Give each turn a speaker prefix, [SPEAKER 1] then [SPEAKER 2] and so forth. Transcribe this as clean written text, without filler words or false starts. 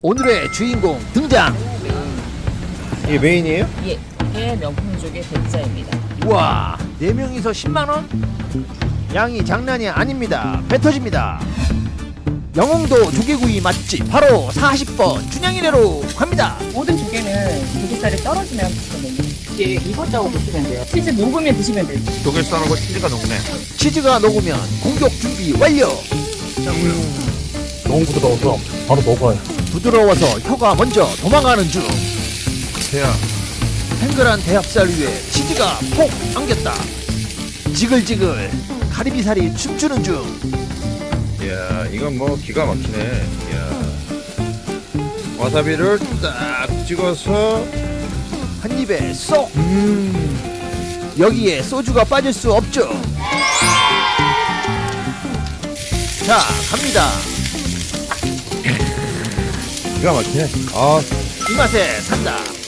[SPEAKER 1] 오늘의 주인공 등장.
[SPEAKER 2] 이게 메인이에요?
[SPEAKER 3] 예, 이게 명품족의 대짜입니다.
[SPEAKER 1] 우와, 4명이서 10만원? 양이 장난이 아닙니다. 배 터집니다. 영흥도 조개구이 맛집 바로 40번 춘향이네로 갑니다.
[SPEAKER 3] 모든 조개는 조개살이 떨어지면 붙거든요. 이게 익었다고 보시면 돼요. 치즈 녹으면 드시면 돼요.
[SPEAKER 2] 조개살하고 치즈가 녹네.
[SPEAKER 1] 치즈가 녹으면 공격 준비 완료.
[SPEAKER 4] 너무 부드러워서 바로 먹어요.
[SPEAKER 1] 부드러워서 혀가 먼저 도망가는 중.
[SPEAKER 2] 대야.
[SPEAKER 1] 탱글한 대합살 위에 치즈가 폭 안겼다. 지글지글 가리비살이 춤추는 중.
[SPEAKER 2] 이야, 이건 뭐 기가 막히네. 이야. 와사비를 딱 찍어서.
[SPEAKER 1] 한 입에 쏙. 여기에 소주가 빠질 수 없죠. 자, 갑니다.
[SPEAKER 2] 기가 막히네. 아,
[SPEAKER 1] 이 맛에 산다.